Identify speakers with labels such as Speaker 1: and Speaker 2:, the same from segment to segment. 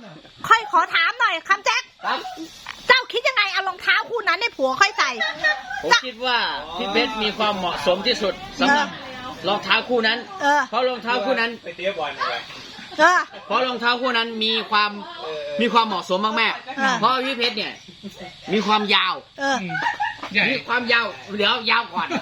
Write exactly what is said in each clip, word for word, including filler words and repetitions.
Speaker 1: ค่อยขอถามหน่อยคำแจ็คเจ้าคิดยังไงเอารองเท้าคู่นั้นให้ผัวค่อยใส่
Speaker 2: ผมคิดว่าพี่เพชรมีความเหมาะสมที่สุดสำหรับรองเท้าคู่นั้นเพราะรองเท้าคู่นั้นไปเตะบอลเลยเพราะรองเท้าคู่นั้นมีความมีความเหมาะสมมากๆเพราะพี่เพชรเนี่ยมีความยาวมีความยาวเดี๋ยวยาวก่อน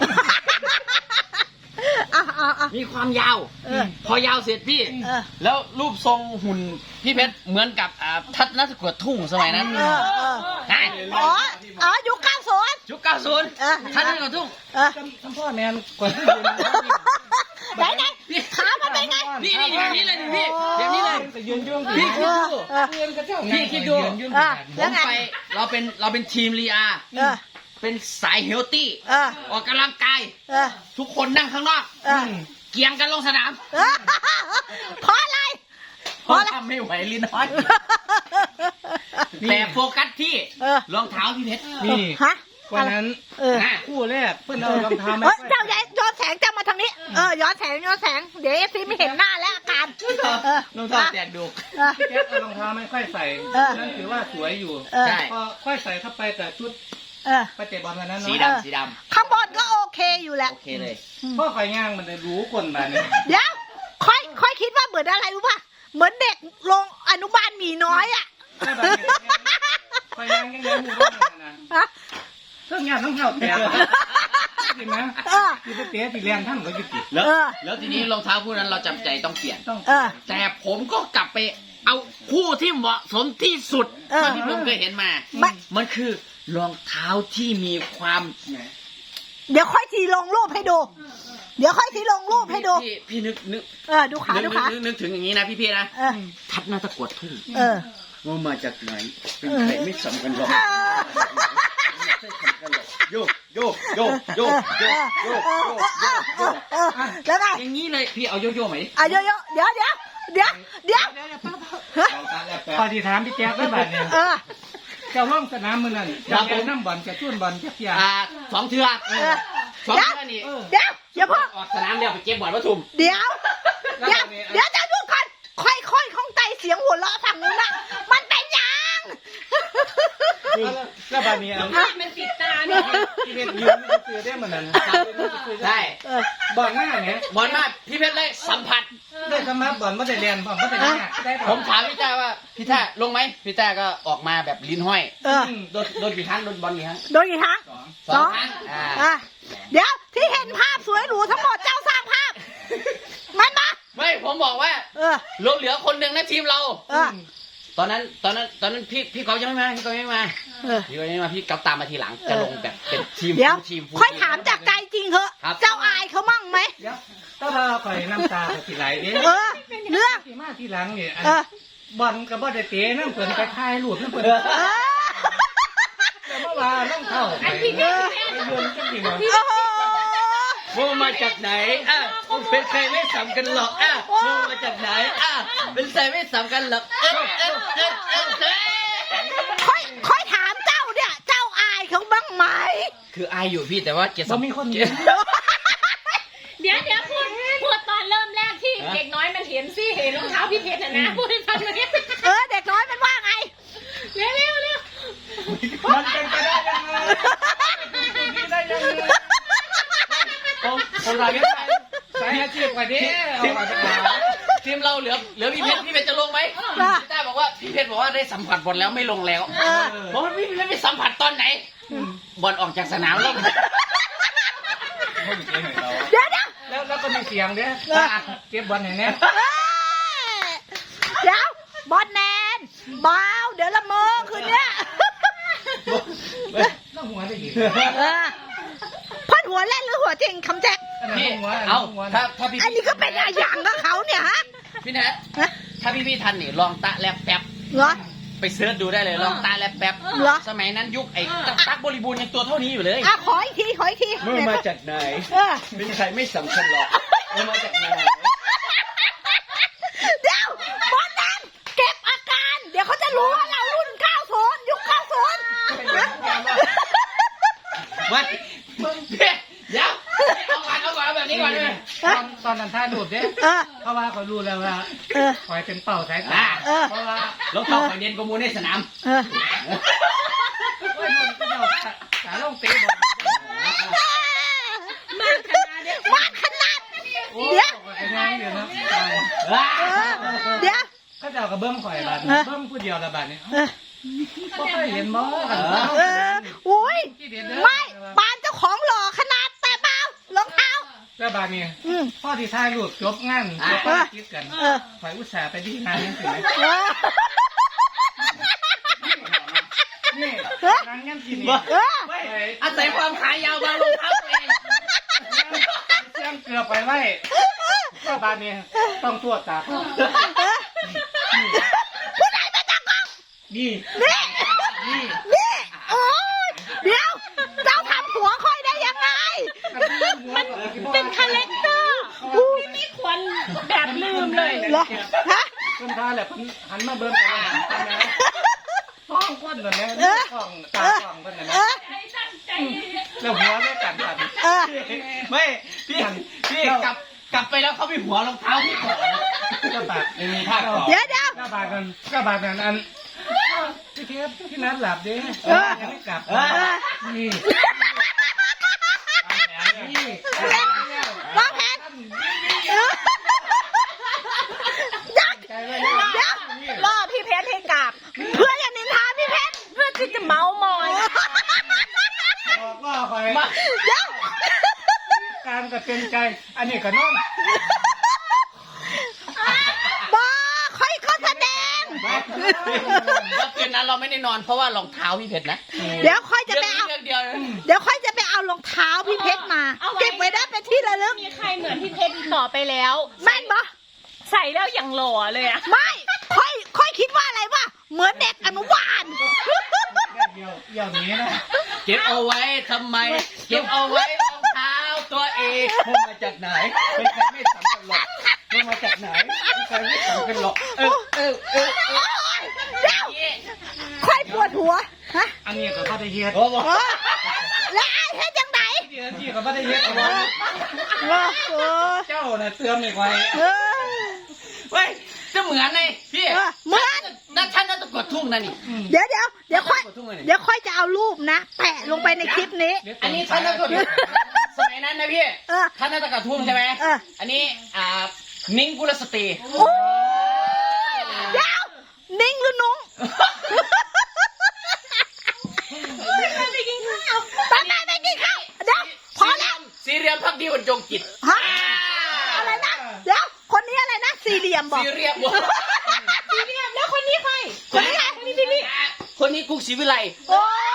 Speaker 2: มีความยาวพอยาวเสร็จพี่แล้วรูปทรงหุ่นพี่เพชรเหมือนกับทัศนศึกษาทุ่งสมัยนั้นใช่
Speaker 1: อ๋ออ๋อยุคเก้าศูนย์
Speaker 2: ยุคเก้าศูนย์ทัศนศึกษาทุ่ง
Speaker 3: คำพ่อแมนกว่าที่ยืน
Speaker 1: ไหนไหนขามันเป็นไง
Speaker 2: นี่นี่แบบนี้เลยพี่แบบนี้เลย
Speaker 3: ยืนยืน
Speaker 2: พี่คิดดูพี่คิดดูผมไปเราเป็นเราเป็นทีมลีอาเป็นสายเฮลตี้ออกกำลังกายทุกคนนั่งข้างนอกเกียงกันลงสนาม
Speaker 1: เพราะอะไร
Speaker 2: เพราะทำไม่ไหวลิ้นน้อยแต่โฟกัสที่รองเท้าพี่เพชร
Speaker 3: นี่วันนั้นคู่แรกเพื่อนเรารองเท้าไม่
Speaker 1: เจ้าย้อนแสงจะมาทางนี้เออย้อนแสงย้อนแสงเดี๋ยวเอฟซีไม่เห็นหน้าแล้วอาการ
Speaker 2: รองเท้าแตกดุ
Speaker 3: พี่แจ๊คเอารองเท้าไม่ค่อยใส่นั่นถือว่าสวยอยู่พอค่อยใส่เข้าไปแต่ชุดไปเตะบอลวันนั้น
Speaker 2: สีดำสีด
Speaker 1: ำข้างบนก็โอเคอยู่แหละ
Speaker 2: โอเคเลย
Speaker 3: พ่อคอยย่างมันได้รู้คนแบบนี้
Speaker 1: เดี๋ยวค่อยค่อยคิดว่าเหมือนอะไรรู้ป่ะเหมือนเด็กลงอนุบาลหมีน้อยอ่ะ
Speaker 3: คอยย่างยังไงมูบ้างนะเรื่องงานต้องเท่าแก่จริงไหมที่ไปเตะที่เรียนทั้งหมดกี่ปี
Speaker 2: แล้วแล้วทีนี้รองเท้าคู่นั้นเราจำใจต้องเปลี่ยนแต่ผมก็กลับไปเอาคู่ที่เหมาะสมที่สุดที่ผมเคยเห็นมามันคือรองเท้าที่มีความ
Speaker 1: เดี๋ยวค่อยทีลงรูปให้ดูเดี๋ยวค่อยทีลงรูปให้ดู
Speaker 2: พี่พี่นึกนึก
Speaker 1: เออดูขาดูขา
Speaker 2: นึกถึงอย่างนี้นะพี่พี่นะทัดหน้าตะกวดทุ่ง
Speaker 1: เออ
Speaker 2: ว่ามาจากไหนเป็นใครไม่สำคัญหรอกโยกโยกโยกโยกโยกโยกโยก
Speaker 1: แล้วไง
Speaker 2: อย่างนี้เลยพี่เอาโยโย่ไหม
Speaker 1: อ่ะโยโย่เดี๋ยวเดี๋ยวเดี๋ยวเดี๋ยว
Speaker 3: พอที่ถามพี่แจ๊คได้แบบนี้เจ้าล่องสนามมือนั่นจะเป็นน้ำบอลจะชุ่นบอลจะเกี่ย
Speaker 2: สองเทือกสองเทือกนี่
Speaker 1: เดี๋ยวเดี๋ยวพ่อ
Speaker 2: ออกสนามเดียวไปเก็บบอลวัตถุ
Speaker 1: เดี๋ยวเดี๋ยวเดี๋ยวจะดูก่อนค่อยๆข้องใจเสียงหัวเราะฝั่งนู้นน่ะมันเป็นยัง
Speaker 3: แล้วบานี้
Speaker 4: มันติดตาเนี่ย
Speaker 3: พี่เพชรยืนเสือได้เหมือนนั้น
Speaker 2: ใช่
Speaker 3: บอลหน้าเนี่ย
Speaker 2: บอลมากพี่เพชรเลยสัมผัส
Speaker 3: ได้สัมผัสบอลไม่ได้เรียนบอลไม่ได้
Speaker 2: ได้ผมถามพี่ต้าว่าพี่ต้าลงไหมพี่ต้าก็ออกมาแบบลิ้นห้อยโดนโดนกี่ครั้งโดนบอลกี่ครั้ง
Speaker 1: โดนกี่ครั้ง
Speaker 2: สองครั้ง
Speaker 1: อ่าเดี๋ยวที่เห็นภาพสวยหรูทั้งหมดเจ้าสร้างภาพมันมา
Speaker 2: ไม่ผมบอกว่าลงเหลือคนหนึ่งในทีมเราตอนนั้นตอนนั้นตอนนั้นพี่พี่เขายังไม่มาพี่เขายังไม่มาพี่เขายังไม่มาพี่เขาตามมาทีหลังจะลงแบบเป็นทีม
Speaker 1: ทีมค่อยถามจากใจจริงเหอะเจ้าอายเขามั่งไหม
Speaker 3: ก็พาคอยน้ำตาไปทีไรเด้
Speaker 1: เออเรื่อง
Speaker 3: ที่มาทีหลังเนี่ยบอลกับบอลได้เตะน้ำเปิดไปทายหลุดน้ำเปิดแต่เมื่อวานน้ำเข้า
Speaker 4: อันที่เดียว
Speaker 2: ว่ามาจากไหนอ่ะเป็นใครไม่สำคัญหรอกอ่ะว่ามาจากไหนอ่ะเป็นใครไม่สำคัญหรอกเอ๊ะเอ๊ะเอ๊ะเอ๊ะเอ๊ะ
Speaker 1: ค่อยค่อยถามเจ้าเนี่ยเจ้าอายเขาบ้างไหม
Speaker 2: คืออายอยู่พี่แต่ว่าเกียรติ
Speaker 3: มีคนเดี
Speaker 4: ยวเดี๋ยวเดี๋ยวพูดพูดตอนเริ่มแรกที่เด็กน้อยมันเห็นสิเห็นรองเท้าพี่เพชรนะนะพูดให้ฟังเลย
Speaker 1: เออเด็กน้อยมันว่าไง
Speaker 4: เร็วเร็วเร็ว
Speaker 3: มันเป็นไปได้ยังไงเป็นได้ยังไงผมผมรายงานสายอาชีพกว่านี้
Speaker 2: ทีมเราเหลือเหลือพี่เพชรพี่เพชรจะลงไหมพี่ต้าบอกว่าพี่เพชรบอกว่าได้สัมผัสบอลแล้วไม่ลงแล้วเพราะพี่เพชรไม่สัมผัสตอนไหนบอลออกจากสนามแล้ว
Speaker 1: เดี๋ยวเดี๋ยว
Speaker 3: แล้วแล้วก็มีเสียงเด้อเก็บบอลอย่างนี้
Speaker 1: เดี๋ยวบอลแนนเบาเดี๋ยวละเมอคืนเนี้ย
Speaker 3: ต้องหัวได้ยิน
Speaker 1: พ่นหัวเล่นหรือหัวจริงคำแจ็ค
Speaker 2: เอาถ้าถ้าพี่
Speaker 1: อันนี้ก็เป็นอย่างกับเขาเนี่ยฮะ
Speaker 2: พี่แนทถ้าพี่พี่ทันนี่ลองตะแลบแป๊บ
Speaker 1: เหรอ
Speaker 2: ไปเสิร์ชดูได้เลยลองตาแลบแป๊บสมัยนั้นยุคไอ้ตั๊กบริบูรณ์ยังตัวเท่านี้อยู่เลย
Speaker 1: อ่ะขออีกทีขออีกที
Speaker 2: เมื่อมาจากไหนเป็นใครไม่สำคัญหรอกเมื่อมาจากไหน
Speaker 1: เดี๋ยวบอลนั้นเก็บอาการเดี๋ยวเขาจะรู้ว่าเรารุ่นเก้าศูนย์ยุคเก้าศูนย์
Speaker 2: ไม่เดี๋ยวเอาก่อนเอาก่อนแบบนี้ก่อนเลย
Speaker 3: ตอนตอนนั้นท่าดูดเนี่ยเพราะว่าเขารู้แล้วว่าคอยเป็นเป่าสายตาเพราะว่า
Speaker 2: รองเท้าข่อยเด่นกว่าหมูในสนาม
Speaker 1: เออ
Speaker 3: โอ้ยมันก็เจ้าขาลงเตะบอล
Speaker 4: มากขนาดเนี้ย
Speaker 1: มากขนาด
Speaker 3: โอ้ย
Speaker 1: เดี๋ยว
Speaker 3: ไอ้นางเดี๋ยวนะ
Speaker 1: เออเดี๋ยว
Speaker 3: เขาเจ้ากับเบิ้มข่อยบาด
Speaker 1: เออ
Speaker 3: เบิ้มผู้เดียวละบาดนี่
Speaker 1: เออ
Speaker 3: บ่เคยเห็นบ่
Speaker 1: เออโอ้ยไม่ปานเจ้าของหล่อขนาดแต่เปล่ารองเท้า
Speaker 3: แล้วบาดนี่
Speaker 1: อืม
Speaker 3: พ่อที่ถ่ายรูปจบงานจบภารกิจกัน
Speaker 1: เออ
Speaker 3: ข่อยอุตส่าห์ไปดีงานนี่สิ
Speaker 1: เออ
Speaker 3: นี่นางยังกินนี่
Speaker 1: เออ
Speaker 2: อาศัยความขายาวบางรองเท้าตัวเอง
Speaker 3: เสียงเกลือไปไว้ก็บาดนี่ต้องตรวจตา
Speaker 1: ผู้ใดมาจากกอง
Speaker 3: นี่
Speaker 1: นี่นี่โอ้ยเดี๋ยวเจ้าทำหัวค่อยได้ยังไง
Speaker 3: มัน
Speaker 4: เป็นคาแรคเตอร์ไม่มีควันแบบลืมเลย
Speaker 1: เหรอฮะ
Speaker 3: เพิ่นพาแหละเพิ่นหันมาเบิ่งกันแล้วหันมาท้องก้นก่อนนะท้องตาท้องเพิ่นน่ะ
Speaker 1: เอ
Speaker 3: นะ
Speaker 1: อ
Speaker 3: แล้วหัวไม่กันกัน
Speaker 1: เออ
Speaker 2: ไม่พี่พี่กลับกลับไปแล้วเขาไปหัวรองเท้าพี่ก่อน
Speaker 3: ก็บาด
Speaker 2: ไม่มีท่าก่อน
Speaker 1: เดี๋ยวเดี๋ยว
Speaker 3: ก็บาดกันก็บาดกันอันพี่เทปพี่นัดหลับดิยังไม่กลับนี่นี่
Speaker 1: วางแผนเออยัก
Speaker 3: ใจไว้
Speaker 1: เดี๋ยว
Speaker 4: ล่อพี่เพชรให้กลับ
Speaker 1: เพื่ออย่านินทาพี่เพชร
Speaker 4: เพื่อที่จะเมามอย
Speaker 3: บอกว่าคอย
Speaker 1: เดี๋ยว
Speaker 3: การก็เป็นใจอันนี้ก็นอน
Speaker 1: บอค่อยก็แสดง
Speaker 2: แล้วคืนนั้นเราไม่ได้นอนเพราะว่ารองเท้าพี่เพชรนะ
Speaker 1: เดี๋ยวค่อยจะไปเอา
Speaker 2: เรื่องเดียวนะ
Speaker 1: เดี๋ยวค่อยจะไปเอารองเท้าพี่เพชรมา
Speaker 4: เอาไว้
Speaker 1: เก็บไว้ได้เป็นที่ระลึก
Speaker 4: มีใครเหมือนพี่เพชรอีกต่อไปแล้ว
Speaker 1: แม่นบอ
Speaker 4: ใส่แล้วอย่างหล่อเลยอะ
Speaker 1: ไม่ ค่อย ค่อยคิดว่าอะไรวะ เหมือนเด็กอนุบาล
Speaker 3: เดียวเดียวนี้นะ
Speaker 2: เก็บเอาไว้ทำไม เก็บเอาไว้รองเท้าตัวเองพมาจากไหนเป็นใครไม่สำคัญหรอกพมาจากไหนเป็นใครไม่สำคัญหรอกเออเออเออเออ
Speaker 1: เดี๋ยวค่อยปวดหัว ฮะ
Speaker 3: อันนี้ก็บ่ได้เฮ็ด
Speaker 2: โอ้โห
Speaker 1: เออแล้วไอ้เฮ็ดจังไหน
Speaker 3: เดี๋ยวที่ก็บ่ได้เฮ็ดเอาไว้
Speaker 1: เออเออ
Speaker 3: เจ้าน่ะเตือนไม่ไว้
Speaker 1: เออ
Speaker 2: เฮ้ยจะเหมือนไงพี่
Speaker 1: เออเหมือน
Speaker 2: นั่นฉันน่าจะกดทุ่งนะนี่
Speaker 1: เดี๋ยวเดี๋ยวเดี๋ยวค่อย
Speaker 2: กดทุ่งเลย
Speaker 1: เดี๋ยวค่อยจะเอารูปนะ แปะลงไปในคลิปนี้
Speaker 2: อันนี้ท่านน่าจะกดสมัยนั้นนะพี่
Speaker 1: เออ
Speaker 2: ท่านน่าจะกดทุ่งใช่ไหม
Speaker 1: เออ
Speaker 2: อันนี้อ่ามิ้งกุลสตรี
Speaker 1: โอ้ยเดี๋ยวนิ่งหรือนุ้ง
Speaker 4: ไปกินข้าว
Speaker 1: ไปไปไปกินข้าวเดี๋ยวพอแล้ว
Speaker 2: สีเรียมพักดีบรรจงจิต
Speaker 1: ฮะอะไรนะ เดี๋ยว คนนี้อะไรนะ สี่เหลี่ยมบอก
Speaker 2: สีเรียม
Speaker 4: พี่เรียบแล้วคนนี้ใคร
Speaker 1: คนนี้ใคร
Speaker 4: คนนี้พี่พี่
Speaker 2: คนนี้กุ๊กศรีวิไล
Speaker 1: โอ้ย